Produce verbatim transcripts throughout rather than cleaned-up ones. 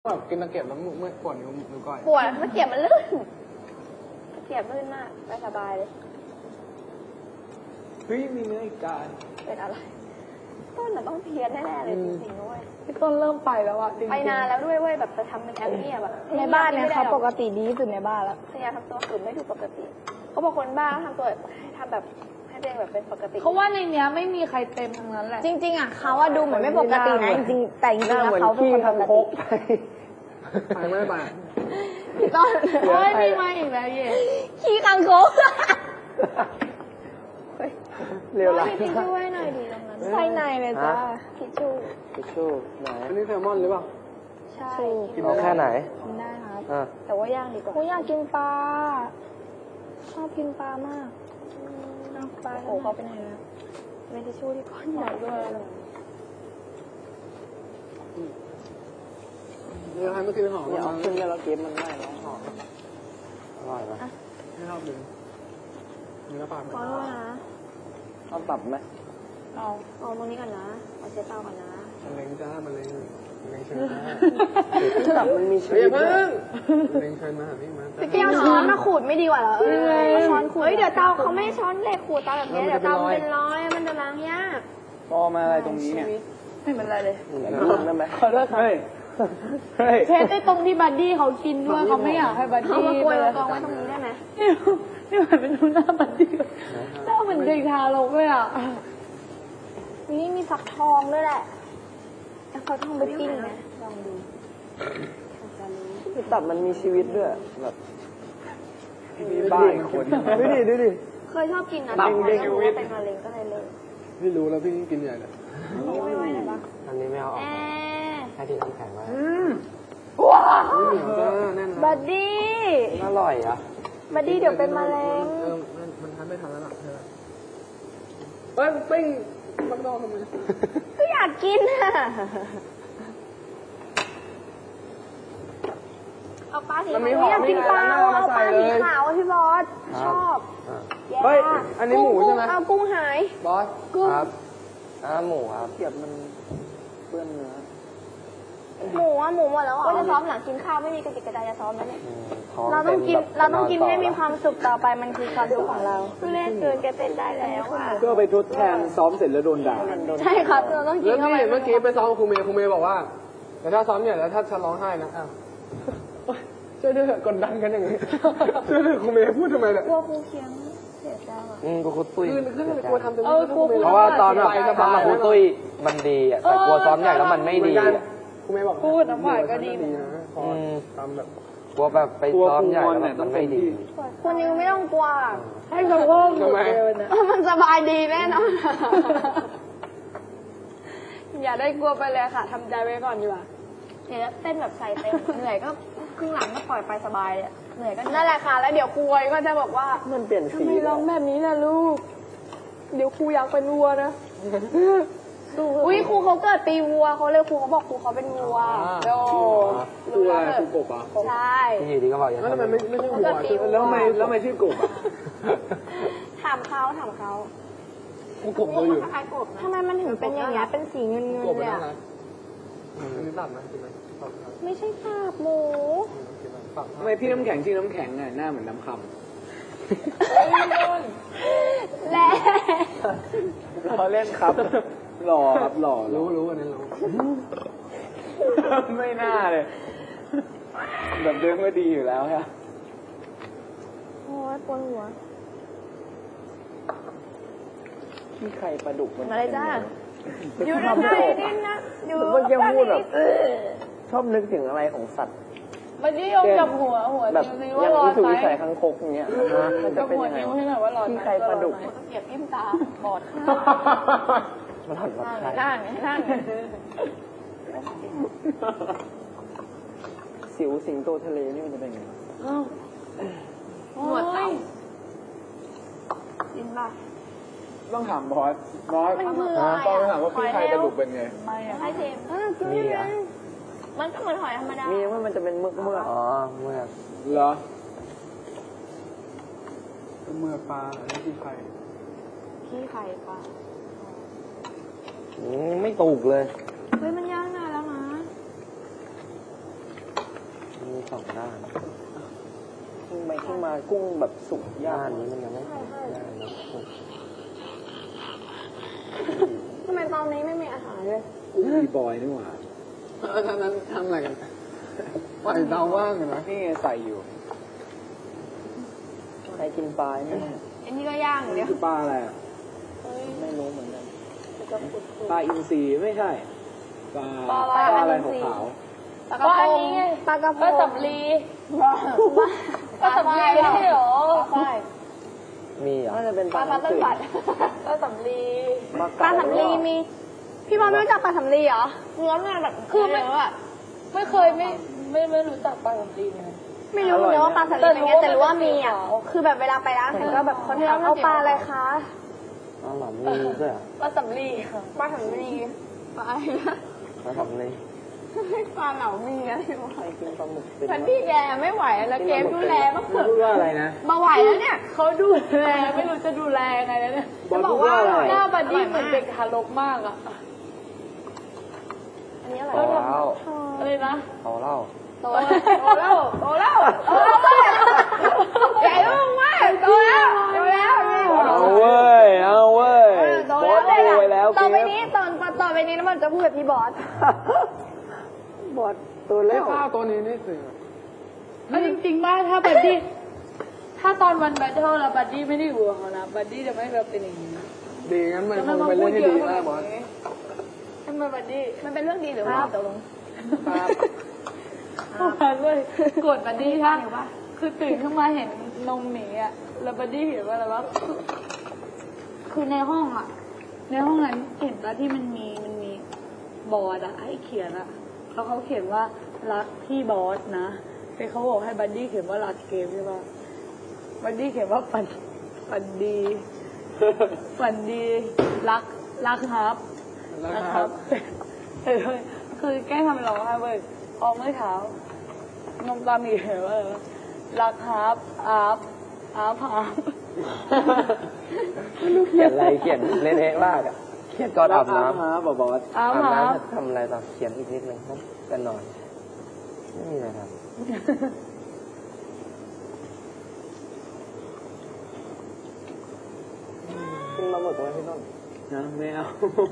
แบบกินตะเกียบแล้วเมื่อปวดนิ้วนิ้วก้อยปวดตะเกียบมันลื่นตะเกียบลื่นมากไปสบายเลยเฮ้ยมีเนื้ออีกจานเป็นอะไรต้นน่ะต้องเพี้ยนแน่ๆเลยจริงๆด้วยพี่ต้นเริ่มไปแล้วอะไปนานแล้วด้วยเว้ยแบบจะทำเป็นแอปเนี่ยแบบในบ้านเนี่ยเขาปกติดีที่สุดในบ้านแล้วพยายามทำตัวฝืนไม่ถูกปกติเขาบอกคนบ้าทำตัวทำแบบให้ตัวเองแบบเป็นปกติเขาว่าในเนี้ยไม่มีใครเต็มทั้งนั้นแหละจริงๆอ่ะเขาว่าดูเหมือนไม่ปกตินะจริงๆแต่จริงๆแล้วเขาเป็นคนปกติไปไม่ไปพี่ต้นโอ้ยมีมาอีกแล้วเย่ขี้คังคกเร็วละทิชชู่ให้หน่อยดีตรงนั้นใส่ในเลยจ้าทิชชู่ทิชชู่ไหนอันนี้แซลมอนหรือเปล่าใช่กินแค่ไหนกินได้ครับแต่ว่าย่างดีกว่ากูอยากกินปลาชอบกินปลามากปลาโอ้เขาเป็นไงนะเมทิชชู่ที่ก้อนใหญ่ด้วยเนื้อให้เมื่อกี้หอมเนี่ยเอาขึ้นแล้วเก็บมันได้แล้วหอมอร่อยปะไม่ชอบดึงเนื้อปลาขอโทษนะเอาตับไหมเอาเอาตรงนี้ก่อนนะเอาเชฟเต้าก่อนนะมันเล้งจ้ามันเล้งมันเล้งเชิญมาตับมันมีชีวิตเพิ่งมันเล้งเชิญมาหาพี่มาพี่เอาช้อนมาขูดไม่ดีกว่าเหรอเออช้อนขูดเฮ้ยเดี๋ยวเตาเขาไม่ช้อนเหล็กขูดเตาแบบนี้เดี๋ยวเตามันเป็นรอยมันจะล้างยากพอมาอะไรตรงนี้เนี่ยไม่เป็นไรเลยได้ไหมขอโทษครับเทสได้ตรงที่บัดดี้เขากินด้วยเขาไม่อยากให้บัดดี้เอามากล้วยมากองไว้ตรงนี้ได้ไหมนี่เหมือนเป็นดูหน้าบัดดี้หน้าเหมือนเด็กทารกเลยอ่ะนี่มีฟักทองด้วยแหละแล้วเขาทองไปปิ้งนะลองดูคือตับมันมีชีวิตด้วยแบบมีบ้าอีกคนดูดิดูดิเคยชอบกินนะตับเป็นชีวิตเป็นมะเร็งก็เลยเลิกพี่รู้แล้วพี่กินใหญ่เลยไม่ไหวเลยปะอันนี้ไม่เอาออกให้ที่น้ำแข็งไว้ว้าวบัดดี้อร่อยอ่ะบัดดี้เดี๋ยวเป็นมะเร็งเออมันทันไม่ทันแล้วล่ะเธอเฮ้ยปิ้งมันนอนทำไมก็อยากกินอ่ะเอาปลาสีขาวอยากกินปลาเอาปลาสีขาวพี่บอสชอบเฮ้ยอันนี้หมูใช่ไหมเอากุ้งหายบอสครับอ่าหมูครับเกียบมันเปื้อนเนื้อหมูอ่ะหมูหมดแล้วอ่ะจะซ้อมหลังกินข้าวไม่มีกระติกกระดาษจะซ้อมแล้วเนี่ยเราต้องกินเราต้องกินให้มีความสุขต่อไปมันคือความสุขของเราคือเล่นเกินแกเต้นได้แล้วอ่ะเพื่อไปทดแทนซ้อมเสร็จแล้วโดนด่าใช่ครับเราต้องกินเข้าไปเมื่อกี้ไปซ้อมครูเมย์ครูเมย์บอกว่าแต่ถ้าซ้อมเนี่ยแล้วถ้าฉันร้องไห้นะอ้าวช่วยด้วยกดดันกันอย่างนี้ช่วยด้วยครูเมย์พูดทำไมเนี่ยกลัวครูเคียงเสียใจอ่ะอืมกูคุตุ้ยคือคือเลยกลัวทำจนเพราะว่าตอนแบบซ้อมกับคุตุ้ยมันดีอ่ะแต่กลัวซ้อมใหญ่แล้วมันไม่ดีครูเมย์บอกพูดน้ำหวานก็ดีนะพอทำแบบกลัวแบบไปซ้อมใหญ่แล้วมันไม่ดีคุณนิวไม่ต้องกลัวให้เขาว่าทำไมมันสบายดีแน่นอนอย่าได้กลัวไปเลยค่ะทำใจไว้ก่อนดีกว่าเดี๋ยวเต้นแบบใส่เต็มเหนื่อยก็ครึ่งหลังก็ปล่อยไปสบายเลยเหนื่อยก็นั่นแหละค่ะแล้วเดี๋ยวครูก็จะบอกว่ามันเปลี่ยนสีทำไมร้องแบบนี้ล่ะลูกเดี๋ยวครูอยากเป็นวัวนะอุ้ยครูเขาเกิดปีวัวเขาเลยครูเขาบอกครูเขาเป็นวัวโดครูอะไรครูกบอ่ะใช่ที่อยู่ดีก็บอกอย่างนั้นทำไมไม่ไม่ใช่วัวแล้วทำไมแล้วทำไมชื่อกบอ่ะถามเขาถามเขาครูกบเราอยู่ทำไมมันถึงเป็นอย่างเงี้ยเป็นสีเงินเงินเลยอ่ะอันนี้ตัดไหมใช่ไหมไม่ใช่ตับหมูทำไมพี่น้ำแข็งชื่อน้ำแข็งอ่ะหน้าเหมือนน้ำคำแล่เราเล่นครับหล่อครับหล่อรู้รู้อันนั้นรู้ไม่น่าเลยแบบเดิมก็ดีอยู่แล้วค่ะโอ้ยปวดหัวที่ใครปลาดุกมันอะไรจ้าอยู่ในไทยนี่นะอยู่เมื่อกี้พูดแบบชอบนึกถึงอะไรของสัตว์มันนี่ยกจับหัวหัวแบบอย่างนี้ถูกใส่คังคกอย่างเงี้ยมันจะเป็นยังไงที่ใครปลาดุกเสียบยิ้มตาบอดมันหันมาใช่นั่งนั่งสิวสิงโตทะเลนี่มันจะเป็นไงหัวเต่ากินป่ะต้องถามบอสบอสต้องถามว่าพี่ไทยปลาดุกเป็นไงไม่ใช่เทมมีอ่ะมันก็เหมือนหอยธรรมดามีว่ามันจะเป็นเมือกเมือกอ๋อเมือกเหรอเมือกปลาอันนี้ขี้ไข่ขี้ไข่ปลาไม่ถูกเลยเฮ้ยมันย่างนานแล้วนะสองด้านกุ้งไปขึ้นมากุ้งแบบสุกย่านนี้มันยังไม่สุกย่านนะทำไมตอนนี้ไม่มีอาหารเลยกุ้งมีบอยนี่หว่าเออท่านั้นทำอะไรกันปล่อยเตาว่างอยู่นะนี่ไงใส่อยู่ใครกินปลาเนี่ยอันนี้ก็ย่างเดีนี่ยวคือปลาอะไรอ่ะไม่รู้เหมือนกันปลาอินทรีไม่ใช่ปลาปลาอะไรขาวปลากระพงปลากระพงปลาสำลีปลาสำลีไม่ใช่หรอใช่ๆมีอ่ะน่าจะเป็นปปลาลาพัดน้ำต้นจืดบัดปลาสำลีปลาสำลีมี พี่บอลไม่รู้จักปลาสำลีเหรอเนื้อมันแบบคือไม่ไม่เคยไม่ไม่ไม่รู้จักปลาสำลีเลยไม่รู้เลยว่าปลาสำลีเป็นไงแต่รู้ว่ามีอ่ะ คือแบบเวลาไปร้านอาหารก็แบบเขาถามเอาปลาอะไรคะอ๋อหรอมีด้วยเหรอปลาสำลีค่ะปลาสำลีปลาอะไรนะปลาทำเลยปลาเหลามีอะไรวะใครกินปลาหมึกเป็นพันพี่แกไม่ไหวแล้วเกมดูแลบ้างเถอะพูดว่าอะไรนะมาไหวแล้วเนี่ยเขาดูแลไม่รู้จะดูแลยังไงแล้วเนี่ยบอลพูดว่าอะไรหน้าบัดดี้เหมือนเด็กทารกมากอ่ะอันนี้อะไรเอาเหล้าอะไรนะเอาเหล้าโตแล้วโตแล้วโตแล้วโตแล้วใหญ่มากโตแล้วโตแล้วเอาเว้ยเอาเว้ยบอสโวยแล้วต่อไปเกนี้มตอนต่อไปนี้น้ำมันจะพูดกับพี่บอสบอสตัวเล็เล่กข้าวตัวนี้นี่สิเอาจริงๆว่าถ้าบัดดี้ถ้าตอนวันแบทเทิลแล้วบัดดี้ไม่ได้อยู่กับเขานะบัดดี้จะไม่แบบเป็นอย่างนี้ดีงั้นมันคงเป็นเรื่องที่ดีมากบอสทำไมบัดดี้มันเป็นเรื่องดีหรือว่าตกลงครับเมื่อวานเลยกดบัดดี้ท่าคือตื่นขึ้นมาเห็นนมหมีอ่ะแล้วบัดดี้เห็นว่าอะไรวะคือคือในห้องอ่ะ ในห้องนั้นเห็นว่าที่มันมีมันมีบอร์ดอะให้เขียนอะแล้วเขาเขียนว่ารักพี่บอสนะแต่เขาบอกให้บัดดี้เขียนว่ารักเกมใช่ปะบัดดี้เขียนว่าฝันฝันดีฝันดีรักรักครับแล้วครับเออคือแกล้งทำเป็นร้องไห้เว้ยพอเมื่อเช้านมตามีเหรอว่ารักครับอาบอาบอาบไม่รู้เขียนอะไรเขียนเละเทะมากอ่ะเขียนก่อนอาบน้ำฮะบอบอสอาบอาบอาบน้ำทำอะไรต่อเขียนอีกนิดนึงครับกันนอนไม่มีอะไรครับกินปลาหมึกไหมพี่ต้นนะไม่เอา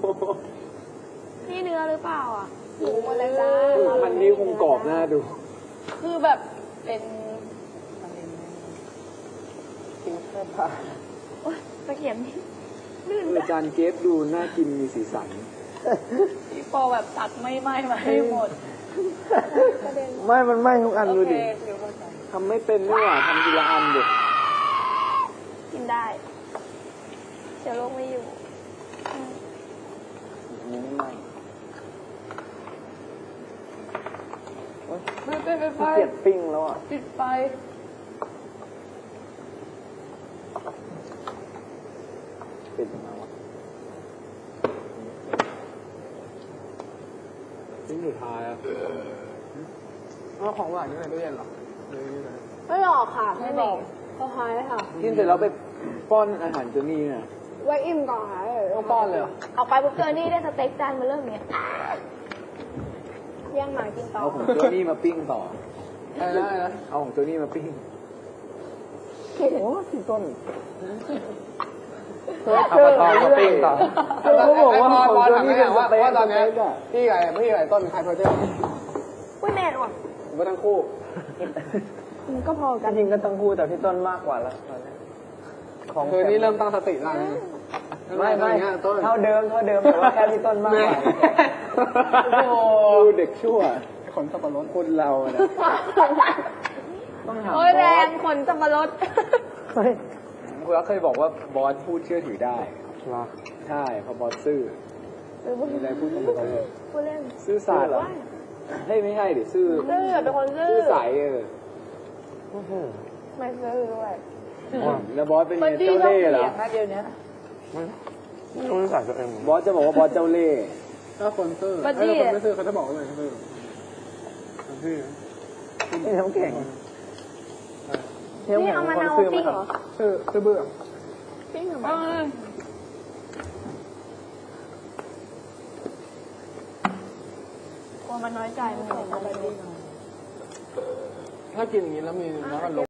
นี่เนื้อหรือเปล่าอ่ะหมูอะไรจ้าพันนี้คงกรอบหน้าดูคือแบบเป็นกินแค่ผักตะเขียนอาจารย์เกฟดูน่ากินมีสีสันพี่ปอแบบตัดไม่ไหม้มาให้หมดไม่ มันไหม้ทุกอันโอดูเคดิเดี๋ยวเข้าใจทำไม่เป็นนี่หว่าทำทีละอันดิกินได้เดี๋ยวโรคไม่อยู่นี่ไม่ไหม้ไม่เป็นไฟเกลียดปิ้งแล้วอ่ะปิดไฟปิดมาวะปิ้งสุดท้ายอ่ะเอาของหวานอยู่ในตู้เย็นเหรอหรืออยู่ไหนไม่หลอกค่ะไม่บอกเขาหายค่ะกินเสร็จแล้วไปป้อนอาหารเจนี่เนี่ยไว้อิ่มก่อนหายเลยต้องป้อนเลยเหรอเอาไปปุ๊บเจอนี่ได้สเต็กจานมาเริ่มเนี้ยย่างหมากินต่อเอาของเจนี่มาปิ้งต่ออะไรนะอะไรนะเอาของเจนี่มาปิ้งโอ้พี่ต้นเอาปลาทองมาปิ้งต่อเขาบอกว่าบอลถามแม่ว่าว่าตอนนี้พี่ไก่พี่ไก่ต้นใครโปรเจกต์อุ้ยแม่หรอผมว่าทั้งคู่มันก็พอจกันริงๆก็ต้องพูดแต่พี่ต้นมากกว่าแล้วตอนนี้ของคือนี่เริ่มตั้งสติได้นะไม่ไม่ต้นเท่าเดิมเท่าเดิมแต่ว่าแค่พี่ต้นมากกว่าโอ้ดูเด็กชั่วขนสับปะรดคนเราเนี่ยต้องถามบโอ้อยแรงสขนสับปะรดเฮ้ยคุณเคยบอกว่าบอสพูดเชื่อถือได้ใช่เพราะบอสซื่อมีอะไรพูดตรงๆเลยพูดเล่นซื่อสัตย์เหรอเฮ้ยไม่ใช่ดิซื่อซื่อเป็นคนซื่อซื่อใสเออไม่ซื่อด้วยแล้วบอสเป็นไงบัดดี้เจ้าต้องเล่ห์เปเหรลี่อยนนะเดี๋ยวนี้ไม่รู้นิสัยตัวเองบอสจะบอกว่าบอสเจ้าเล่ห์ถ้าคนซื่อบัดดี้ถ้าคนไม่ซื่อเขาจะบอกว่าอะไรซื่อซื่อนี่น้ำแข็งนี่เอามะนาวปิ้งเหรอซื่อซื่อเบื่อปิ้งเหรอเออกลัวมันน้อยใจมันเห็นอะไรดีถ้ากินอย่างนี้แล้วมีน้ำมันลม